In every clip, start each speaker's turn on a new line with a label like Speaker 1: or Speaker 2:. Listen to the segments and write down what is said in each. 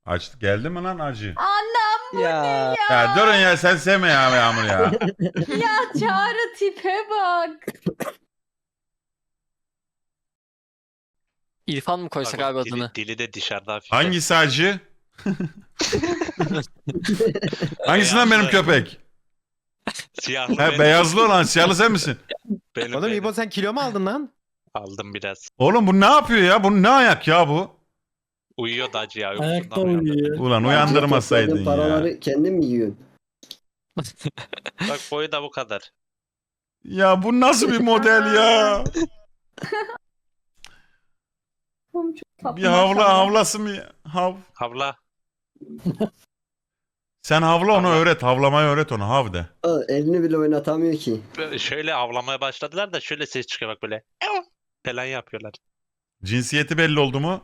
Speaker 1: Açtı. Geldi mi lan acı?
Speaker 2: Anam bu
Speaker 3: Ya.
Speaker 2: ne ya?
Speaker 1: Ya durun ya, sen sevme ya Yağmur ya.
Speaker 2: Ya Çağrı tipe bak.
Speaker 3: İrfan mı koysak abi adını?
Speaker 4: Dili de dışarıda hafif.
Speaker 1: Hangisi acı? Hangisinden benim
Speaker 4: Beyazlı.
Speaker 1: köpek?
Speaker 4: Siyahlı
Speaker 1: He,
Speaker 4: benim.
Speaker 1: beyazlı olan siyahlı sen misin?
Speaker 4: Benim,
Speaker 5: Oğlum
Speaker 4: benim.
Speaker 5: İbo sen kilo mu aldın lan?
Speaker 4: Aldım biraz.
Speaker 1: Oğlum bu ne yapıyor ya? Bu ne ayak ya bu?
Speaker 4: Uyuyor da acı ya.
Speaker 6: Ayakta
Speaker 4: uykusundan uyandı.
Speaker 6: uyuyor.
Speaker 1: Ulan uyandırmasaydın
Speaker 7: Topladığın
Speaker 1: ya.
Speaker 7: paraları kendin mi yiyorsun?
Speaker 4: Bak boyu da bu kadar.
Speaker 1: Ya bu nasıl bir model ya?
Speaker 2: Oğlum çok tatlı
Speaker 1: Bir havla
Speaker 2: maşallah.
Speaker 1: havlası mı?
Speaker 4: Havla.
Speaker 1: Sen havla onu
Speaker 4: Havla.
Speaker 1: öğret. Havlamayı öğret ona. Hav de.
Speaker 7: Aa, elini bile oynatamıyor ki.
Speaker 4: Böyle şöyle avlamaya başladılar da şöyle ses çıkıyor bak böyle. Falan yapıyorlar.
Speaker 1: Cinsiyeti belli oldu mu?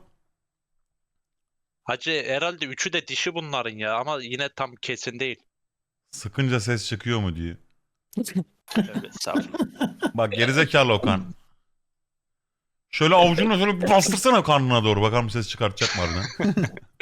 Speaker 4: Hacı herhalde üçü de dişi bunların ya ama yine tam kesin değil.
Speaker 1: Sıkınca ses çıkıyor mu diyor.
Speaker 4: Tövbe estağfurullah.
Speaker 1: Bak gerizekalı Okan. Şöyle avucunu şöyle bir bastırsana karnına doğru. Bakalım ses çıkartacak mı harbiden.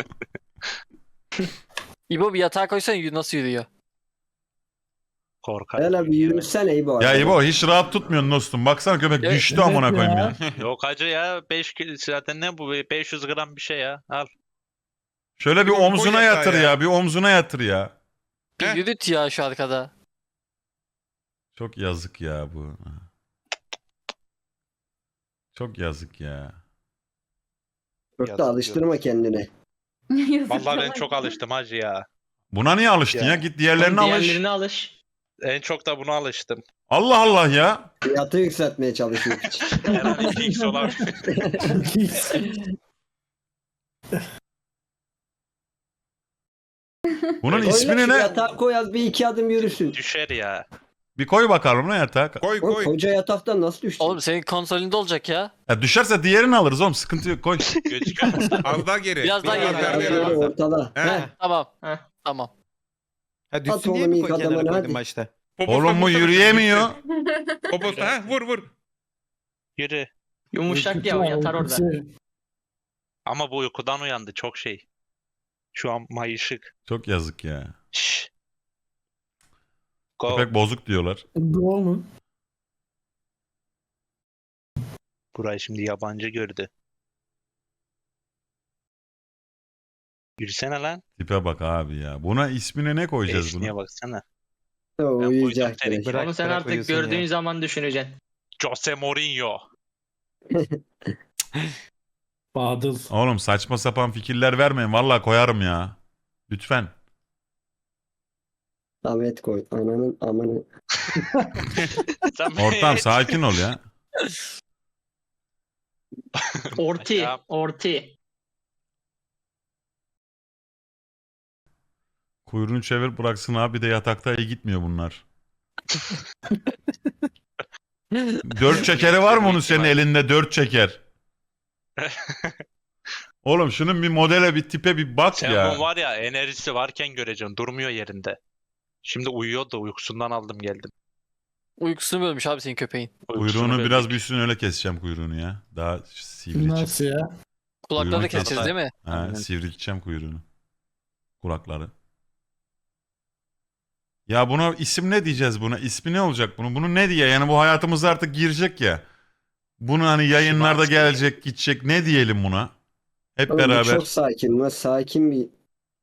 Speaker 3: İbo bir yatağa koysana nasıl yürüyor?
Speaker 4: Korkar.
Speaker 7: Hele bir yürüsene İbo.
Speaker 1: Ya İbo hiç rahat tutmuyorsun dostum. Baksana köpek
Speaker 3: Evet,
Speaker 1: düştü amına
Speaker 6: evet
Speaker 1: koyayım
Speaker 6: ya.
Speaker 1: ya.
Speaker 4: Yok hacı ya 5 kilo zaten ne bu 500 gram bir şey ya. Al.
Speaker 1: Şöyle bir
Speaker 8: Koy
Speaker 1: omzuna
Speaker 8: yatağa
Speaker 1: yatır
Speaker 8: ya.
Speaker 1: ya. Bir omzuna yatır ya.
Speaker 3: Bir
Speaker 8: Heh.
Speaker 3: yürüt ya şu arkada.
Speaker 1: Çok yazık ya bu. Çok yazık ya.
Speaker 7: Çok da
Speaker 4: Yazık
Speaker 7: alıştırma kendine.
Speaker 2: Yazık
Speaker 4: Vallahi ben
Speaker 2: sana.
Speaker 4: çok alıştım hacı ya.
Speaker 1: Buna niye alıştın ya?
Speaker 4: Ya.
Speaker 1: Git diğerlerine alış.
Speaker 9: Diğerlerine alış.
Speaker 4: En çok da buna alıştım.
Speaker 1: Allah Allah ya.
Speaker 7: Fiyatı yükseltmeye çalışıyor piç.
Speaker 4: Herhalde 2x olabilir.
Speaker 1: Bunun
Speaker 4: Öyle
Speaker 1: ismini
Speaker 7: Oyna şu
Speaker 1: ne?
Speaker 7: yatağa koy az bir iki adım yürüsün.
Speaker 4: Düşer ya.
Speaker 1: Bir koy bakalım ne yatağa.
Speaker 8: Koy
Speaker 7: Oğlum,
Speaker 8: koy.
Speaker 7: koca yataktan nasıl düştü?
Speaker 3: Oğlum senin konsolinde olacak ya.
Speaker 1: Ya düşerse diğerini alırız oğlum. Sıkıntı yok. Koy.
Speaker 4: Gözüküyor mu?
Speaker 8: Az daha geri.
Speaker 3: Biraz daha geri.
Speaker 8: daha
Speaker 7: Az
Speaker 8: geri.
Speaker 7: böyle ortada.
Speaker 8: He.
Speaker 7: Heh.
Speaker 3: Tamam.
Speaker 9: Heh.
Speaker 3: Tamam.
Speaker 5: Ha düşsün
Speaker 7: At
Speaker 5: diye
Speaker 7: oğlum
Speaker 5: mi
Speaker 7: ilk
Speaker 5: koy kenara
Speaker 7: adamını,
Speaker 5: koydun
Speaker 7: hadi.
Speaker 5: başta?
Speaker 8: Poposuna
Speaker 1: Oğlum bu
Speaker 8: vursana,
Speaker 1: yürüyemiyor.
Speaker 8: düşsün. Poposuna ha vur vur.
Speaker 4: Yürü.
Speaker 9: Yumuşak ya o yatar orada.
Speaker 4: Ama bu uykudan uyandı çok şey. Şu an mayışık.
Speaker 1: Çok yazık ya.
Speaker 4: Şşş. Go.
Speaker 1: Köpek bozuk diyorlar.
Speaker 6: Doğru mu?
Speaker 4: Burayı şimdi yabancı gördü. Yürüsene lan.
Speaker 1: Tipe bak abi ya. Buna ismini ne koyacağız
Speaker 4: Esniye
Speaker 1: buna?
Speaker 4: baksana.
Speaker 7: O uyuyacak
Speaker 4: koydum seni.
Speaker 7: direkt.
Speaker 5: Bırak,
Speaker 9: Onu sen
Speaker 5: bırak
Speaker 9: artık
Speaker 5: uyusun
Speaker 9: gördüğün
Speaker 5: ya.
Speaker 9: zaman düşüneceksin.
Speaker 4: Jose Mourinho.
Speaker 6: Badıl.
Speaker 1: Oğlum saçma sapan fikirler vermeyin. Vallahi koyarım ya. Lütfen.
Speaker 7: Samet koy. Ananın amanı.
Speaker 1: Ortam sakin ol ya.
Speaker 9: Orti.
Speaker 4: Ya.
Speaker 9: Orti.
Speaker 1: Kuyruğunu çevir bıraksın abi, bir de yatakta iyi gitmiyor bunlar. Dört çekeri var mı onun senin elinde, dört çeker? Oğlum şunun bir modele, bir tipe bir bak
Speaker 4: Sen
Speaker 1: ya.
Speaker 4: bunun var ya enerjisi varken göreceksin. Durmuyor yerinde. Şimdi uyuyor da uykusundan aldım geldim.
Speaker 3: Uykusunu bölmüş abi senin köpeğin.
Speaker 4: Uykusunu
Speaker 1: Kuyruğunu biraz
Speaker 4: böldük.
Speaker 1: büyüsün, öyle keseceğim kuyruğunu ya. Daha sivri çıksın.
Speaker 6: Nasıl ya?
Speaker 3: Kulakları da
Speaker 1: Kuyruğunu
Speaker 3: keseceğiz değil mi?
Speaker 1: Ha,
Speaker 4: Aynen.
Speaker 1: sivrilteceğim kuyruğunu. Kulakları. Ya buna isim ne diyeceğiz buna? İsmi ne olacak bunun? Bunu ne diye? Yani bu hayatımıza artık girecek ya. Bunu hani yayınlarda
Speaker 4: Şimanski.
Speaker 1: gelecek, gidecek. Ne diyelim buna? Hep
Speaker 7: Oğlum, bu
Speaker 1: beraber.
Speaker 7: çok sakin. Bu sakin bir...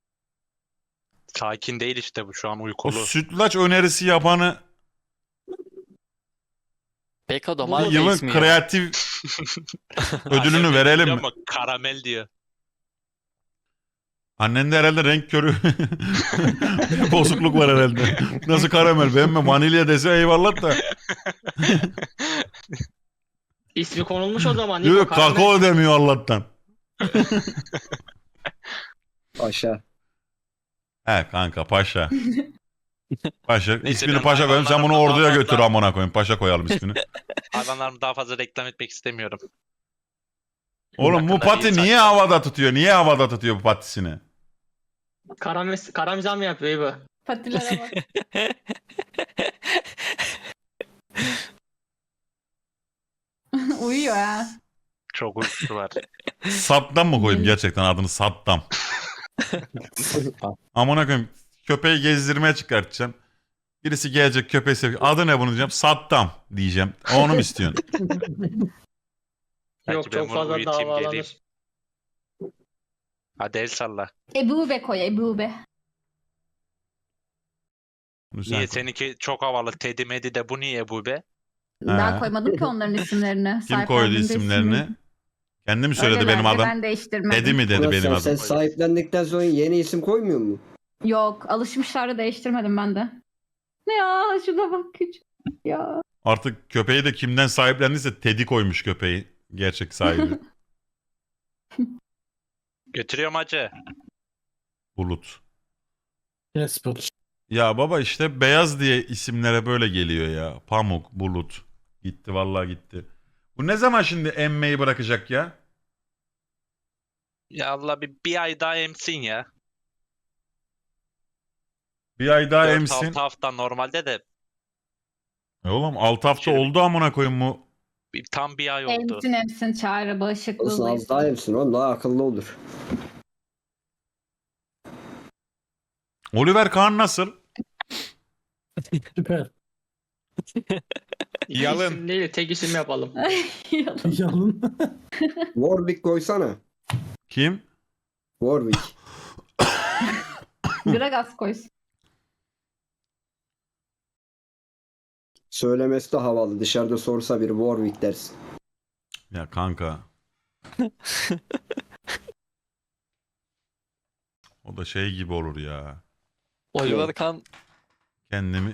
Speaker 4: Sakin değil işte bu şu an
Speaker 1: O
Speaker 4: uykulu.
Speaker 1: sütlaç önerisi yapanı
Speaker 3: Beko da marka
Speaker 1: yılın
Speaker 3: ismi ya.
Speaker 1: kreatif ödülünü
Speaker 4: Annem
Speaker 1: verelim
Speaker 4: diyor
Speaker 1: mi?
Speaker 4: Ama karamel diyor.
Speaker 1: Annen de herhalde renk körü. Bozukluk var herhalde. Nasıl karamel? Beğenme vanilya dese eyvallah da.
Speaker 9: İsmi konulmuş o zaman.
Speaker 1: Diyor
Speaker 9: Niko Karamel.
Speaker 1: kakao demiyor Allah'tan.
Speaker 7: Aşağı.
Speaker 1: He kanka paşa. Paşa.
Speaker 4: Neyse,
Speaker 1: İsmini
Speaker 4: ben
Speaker 1: paşa koyalım. Sen bunu
Speaker 4: hayvanlarımla
Speaker 1: orduya
Speaker 4: daha
Speaker 1: götür
Speaker 4: fazla-
Speaker 1: amına koyayım. Paşa koyalım ismini.
Speaker 4: Hayvanlarımı daha fazla reklam etmek istemiyorum.
Speaker 1: Oğlum bu
Speaker 4: Hakkında
Speaker 1: pati
Speaker 4: bir
Speaker 1: niye
Speaker 4: saçma.
Speaker 1: havada tutuyor? Niye havada tutuyor bu patisini?
Speaker 9: Karamizan mı yapıyor İbo?
Speaker 2: Patilere bak. Uyuyor ha.
Speaker 4: Çok uykusu var.
Speaker 1: Saddam mı koyayım gerçekten adını Saddam? Amına koyayım. Köpeği gezdirmeye çıkartacağım. Birisi gelecek köpeği seviyor. Adı ne bunun diyeceğim. Saddam diyeceğim. Onu mu istiyorsun?
Speaker 4: Belki
Speaker 9: Yok
Speaker 4: ben
Speaker 9: çok
Speaker 4: bunu
Speaker 9: fazla
Speaker 4: uyutayım, geleyim.
Speaker 9: davalanır.
Speaker 4: Hadi el salla.
Speaker 2: Ebube koy Ebube.
Speaker 1: Bunu sen
Speaker 4: Niye
Speaker 1: koy.
Speaker 4: seninki çok havalı. Teddy Medi de bu niye bu be?
Speaker 2: Daha koymadım ki onların isimlerini.
Speaker 1: Kim koydu
Speaker 2: Sahiplendiğimde
Speaker 1: isimlerini?
Speaker 2: ismini.
Speaker 1: Kendi mi söyledi
Speaker 2: Öylelerdi,
Speaker 1: benim adam?
Speaker 2: Ben değiştirmedim.
Speaker 1: Dedi mi dedi
Speaker 7: Ulan
Speaker 1: benim
Speaker 7: sen,
Speaker 1: adım?
Speaker 7: sen sahiplendikten sonra yeni isim koymuyor mu?
Speaker 2: Yok alışmışlar da değiştirmedim ben de. Ya şuna bak küçük. Ya.
Speaker 1: Artık köpeği de kimden sahiplendiyse Teddy koymuş köpeği. Gerçek sahibi.
Speaker 4: Götürüyorum hacı.
Speaker 1: Bulut.
Speaker 6: Jasper.
Speaker 1: Ya baba işte beyaz diye isimlere böyle geliyor ya. Pamuk, Bulut. Gitti vallahi gitti. Bu ne zaman şimdi emmeyi bırakacak ya?
Speaker 4: Ya Allah bir ay daha emsin ya.
Speaker 1: Bir ay daha
Speaker 4: 4-6
Speaker 1: emsin.
Speaker 4: hafta normalde de
Speaker 1: Oğlum 6 hafta
Speaker 4: Şöyle-
Speaker 1: oldu amına koyayım bu.
Speaker 4: tam bir ay oldu.
Speaker 2: Emsin Çağrı bağışıklığı.
Speaker 7: Olsun az daha yapsın oğlum daha akıllı olur.
Speaker 1: Oliver Kahn nasıl?
Speaker 6: Süper.
Speaker 9: İki
Speaker 8: Yalın.
Speaker 9: isim değil de tek isim yapalım.
Speaker 6: Yalın.
Speaker 7: Warwick koysana.
Speaker 1: Kim?
Speaker 7: Warwick.
Speaker 2: Gragas koysun.
Speaker 7: Söylemesi de havalı. Dışarıda sorsa biri Warwick dersin.
Speaker 1: Ya kanka. O da şey gibi olur ya.
Speaker 3: Oliver Kahn
Speaker 1: Kendimi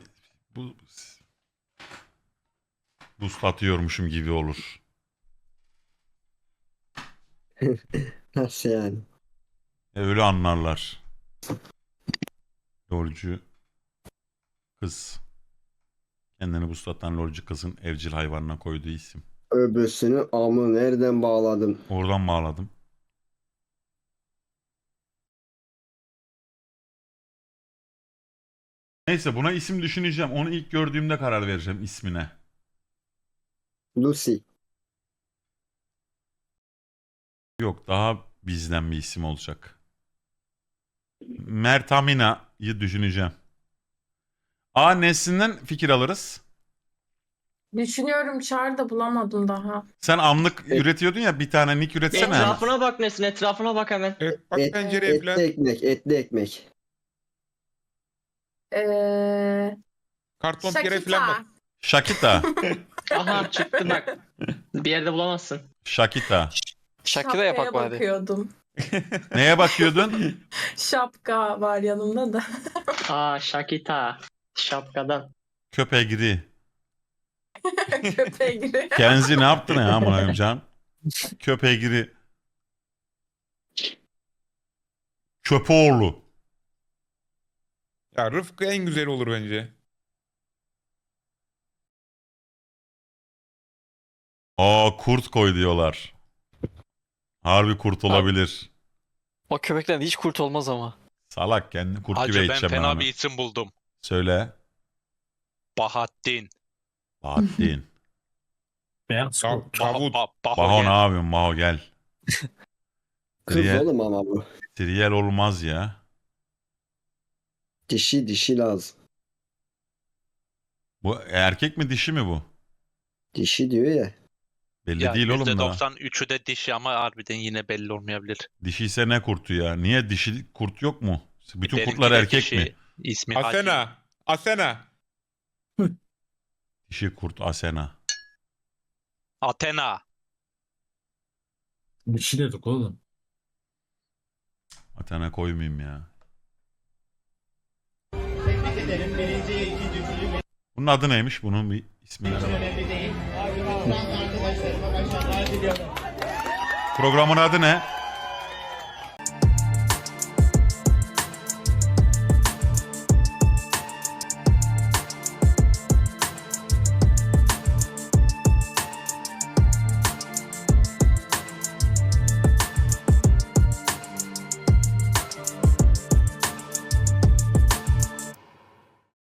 Speaker 1: buslatıyormuşum gibi olur.
Speaker 7: Nasıl yani?
Speaker 1: Öyle anlarlar. Lolcu kız. Kendini buslatan lolcu kızın evcil hayvanına koyduğu isim.
Speaker 7: Öbürsünü amı nereden bağladım?
Speaker 1: Oradan bağladım. Neyse buna isim düşüneceğim. Onu ilk gördüğümde karar vereceğim ismine.
Speaker 7: Lucy.
Speaker 1: Yok daha bizden bir isim olacak. Mertamina'yı düşüneceğim. Neslinden fikir alırız.
Speaker 10: Düşünüyorum Çağrı da bulamadım daha.
Speaker 1: Sen anlık üretiyordun ya bir tane nick üretsene.
Speaker 9: Etrafına bak Nesin, etrafına bak hemen.
Speaker 8: Evet, bak
Speaker 7: Et,
Speaker 8: pencereye
Speaker 7: etli
Speaker 8: falan.
Speaker 7: ekmek, etli ekmek.
Speaker 8: Karton pire falan bak.
Speaker 10: Şakita.
Speaker 1: Shakita.
Speaker 9: Aha çıktı bak. Bir yerde bulamazsın.
Speaker 1: Shakita.
Speaker 3: Shakira yapak
Speaker 10: Şapkaya
Speaker 3: bari.
Speaker 10: bakıyordum.
Speaker 1: Neye bakıyordun?
Speaker 10: Şapka var yanımda da.
Speaker 9: Aa Shakita. Şapkadan.
Speaker 1: Köpegri.
Speaker 10: Köpeğe giriyor.
Speaker 1: Kenzi ne yaptın ya amına can? Köpegri. Köpoğlu.
Speaker 8: Ya Rıfkı en güzel olur bence.
Speaker 1: Kurt koy diyorlar. Harbi kurt olabilir.
Speaker 3: O köpekten hiç kurt olmaz ama.
Speaker 1: Salak kendini kurt gibi
Speaker 4: Hacı ben
Speaker 1: eğiteceğim ben
Speaker 4: fena
Speaker 1: onu.
Speaker 4: bir isim buldum.
Speaker 1: Söyle.
Speaker 4: Bahattin.
Speaker 1: Bahattin.
Speaker 6: Beyaz kurt.
Speaker 8: Davut.
Speaker 4: Baho
Speaker 1: Baho
Speaker 4: gel.
Speaker 1: ne yapıyorsun Baho gel.
Speaker 7: Kız
Speaker 1: Triyel,
Speaker 7: oğlum ama bu.
Speaker 1: triyel olmaz ya.
Speaker 7: Dişi lazım.
Speaker 1: Bu erkek mi dişi mi bu?
Speaker 7: Dişi diyor ya.
Speaker 1: Belli
Speaker 4: Ya
Speaker 1: değil oğlum da.
Speaker 4: %93'ü de dişi ama harbiden yine belli olmayabilir.
Speaker 1: Dişi ise ne kurtu ya? Niye dişi kurt yok mu? Bütün
Speaker 4: Benimki
Speaker 1: kurtlar
Speaker 4: de
Speaker 1: erkek
Speaker 4: dişi.
Speaker 1: mi?
Speaker 4: İsmi Hacı.
Speaker 8: Asena. Asena.
Speaker 1: Dişi kurt Asena.
Speaker 4: Athena.
Speaker 6: Bir şey dedik oğlum.
Speaker 1: Atana koymayayım ya. Bunun adı neymiş? Bunun bir ismini alalım. Programın adı ne?